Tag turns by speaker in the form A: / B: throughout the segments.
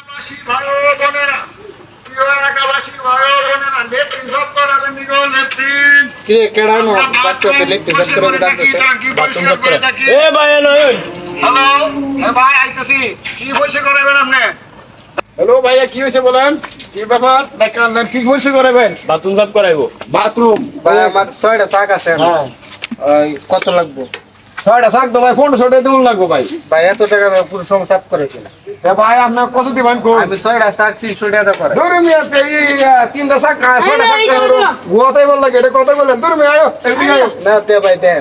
A: ভাই ও বোনেরা, প্রিয় এলাকাবাসী ভাই ও বোনেরা, লেট্রিন সব করাবেন নিগো লেট্রিন।
B: কি কেডানো বাচ্চাতে লেট্রিন সব করে ডাকতেছে।
A: বাথরুম সব করে থাকি।
C: এ ভাই এলো এই
A: হ্যালো, এ ভাই আইতাছি। কি বলছে করাবেন আপনি? হ্যালো ভাইয়া, কি হয়েছে বলেন? কি ব্যাপার? দেখালেন কি বলছে করাবেন?
C: বাথরুম সাফ করাইবো।
A: বাথরুম
B: ভাই আমার 6টা শাক আছে।
A: হ্যাঁ,
B: ওই কত লাগবে?
A: ছয়টা শাক তো ভাই 1500 টাকা লাগবে ভাই।
B: ভাই এত টাকা দিয়ে পুরো সংসার সাফ করেছি না।
A: এ ভাই আপনার কত দিবেন কোন?
B: আমি 6টা শাক 300 টাকা করে।
A: ধরে মিয়াতে এই তিনটা শাক ছয়টা শাক গোয়াতেই বল লাগে, এটা কথা বলেন। ধরে মিয়া আয়ো, এদিকে আয়ো।
B: না দে ভাই দেন।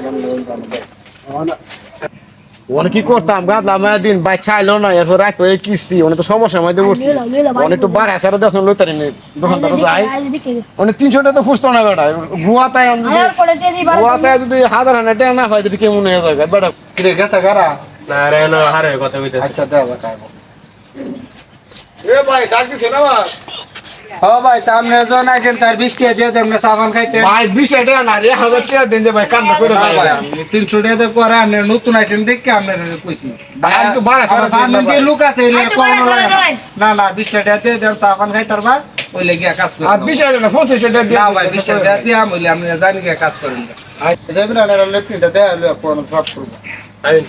A: ওনে কি করতাম গাদলা মায়া দিন বাচ্চা আইলো না, এরপর রাখো এই কিস্তি ওনে তো সমস্যার মধ্যে পড়ছি। অনেক তো বার আছে আর দেখুন লইতারি নেই দোকানদার যাই অনেক 300 টাকা তো ফুসতো না বেটা। গুয়াতায় আমি গুয়াতায় যদি 1000 টাকা না হয় তো কেমন হয়ে যাবে বেটা।
B: কিরে গেছে গারা?
C: না রে না হারে কথা কইতেছে।
B: আচ্ছা দে ভাই খাইবো।
A: এ ভাই ডাক দিছে না ভাই?
B: ও ভাই সামনে জন আছেন তার 20 টাকা দিয়ে দেন না সাবান খাইতে।
A: ভাই 20 টাকা না রে 1000 টাকা দেন যে ভাই কান্না করে
B: না
A: যায়
B: ভাই 300 টাকা দিয়ে করে আপনি নতুন আছেন দেখে আপনার কইছি।
A: ভাই আর একটু বাড়া সারা দিন না
B: যে
A: ভাই।
B: লোক আছে এর কোন না না 20 টাকা দিয়ে দেন সাবান খাইতার বা ওই লাগি কাজ করে।
A: আর 20 টাকা না 50 টাকা দিয়ে
B: না ভাই 20 টাকা দিয়ে আমলে আপনি জানি কি কাজ করেন। যাবেন না লেফটিটা দেয়া হলো কোন সব করব।
C: আইন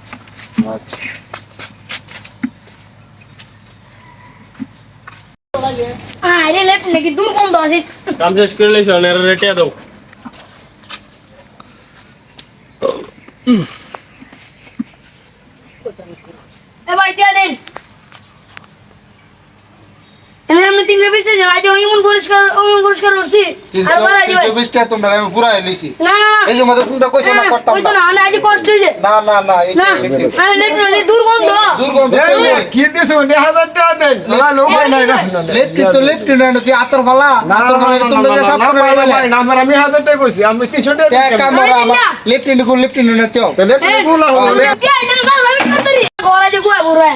D: আরে লেফট নাকি দুর্গন্ধ আছে।
C: কাম শেষ করে লইছ না রেটে দাও।
D: এ ভাই দিয়া দেন। আমি 320 টাকা আজ ওইমন পরিষ্কার করছি। আর বাড়াই দিই ভাই।
B: 320 টাকা তোমরা আমি পুরা লইছি।
D: না না
B: এই যে মধ্যে কোনটা কইছ না করতাম
D: ওই তো
B: না।
D: না আজ কষ্ট হইছে।
B: না না না এই
D: না আরে লেফট নাকি দুর্গন্ধ।
B: দুর্গন্ধ
A: এ কি দিছো 1000 টাকা দেন না লোক নাই না
B: লেফটি তো লেফটি না তুই আতর ফালা
A: না
B: আতর ফালা তোমরা যে সব করে
A: না
B: বলে
A: ভাই না আমি 1000 টাকা কইছি আমি 300 টাকা
B: এক কাম
A: দিই।
B: করো আমার লেফটি না তো
A: তাহলে বলা হলো
D: দিয়া এটা না আমি করতেরি। ঘরে যে গুয়া বুড়া।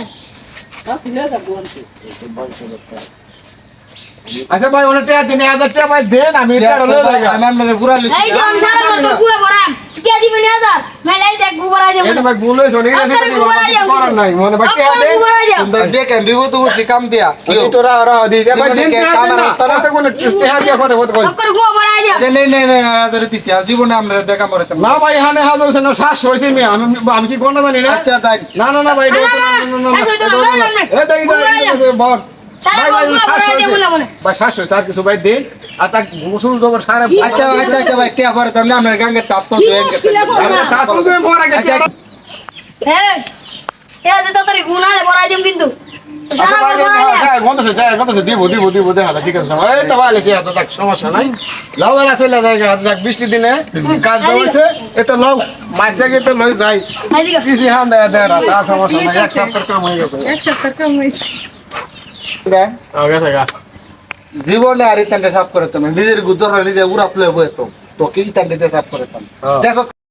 A: আচ্ছা ভাই অনেক টাকা দিন 1000 টাকা ভাই দেন আমি এটা লয়ে যাই।
B: আমার মানে পুরা লইছি
D: এই যে আমি সারা করতে গুয়া বুড়া। কে দিবেন 1000? মেলে এই দেখ গুবরা যাবে।
A: এটা ভাই ভুল হইছে অনেক আছে করার নাই মনে ভাই টাকা দেন।
D: গুবরা যাবে।
B: তোমরা দেখে বিপদ করছি কাম দিয়া
A: এই তো রা দি ভাই দিন টাকা দেন না তাতে কোন টাকা দিয়া করে হতে কই
D: অকর গুবরা যাবে।
B: যে নেই নেই নেই আদরে দিছি আর জীবনে আমরা দেখা মরে
A: না ভাই এখানে 1000 আছে না 700 হইছে আমি কি কোন জানি না।
B: আচ্ছা যাই
A: না না না ভাই এ দেই বল
D: সারা গুবরা যাবে বলে মনে।
A: ভাই 700 স্যার কিছু ভাই দেন আর তা গোসল জগর সারা
B: আচ্ছা আচ্ছা আচ্ছা ভাই টিয়া পরে তোমরা আমরা গাঙ্গে তাপ তো দেন
A: তা তো তুমি পড়া গেছে
D: হ্যাঁ এ যে তাড়াতাড়ি গুনা দে বড়াই দিম কিন্তু
A: আচ্ছা
D: সারা
A: ভাই
D: গুবরা যাবে।
A: গন্তছে দিব দেখা ঠিক আছে এই তো ভালো আছে এত তাক সমস্যা নাই লাউলা আছে লাগা যাক 20 দিনে কাজ হইছে এত লোক মাইসা গিয়ে লই যাই
D: আইদিকে
A: কিছু হান দেয় দেয় তার সমস্যা নাই এক সপ্তাহ কাম হয়ে গেছে
D: এক সপ্তাহ কম হইছে।
C: আগে থাকা
B: জীবনে আর ইতানটা সাফ করে তুমি নিজের গুদর নিজে উড়াত লয়ে বইতো তো কি ইতানটা সাফ করে তুমি দেখো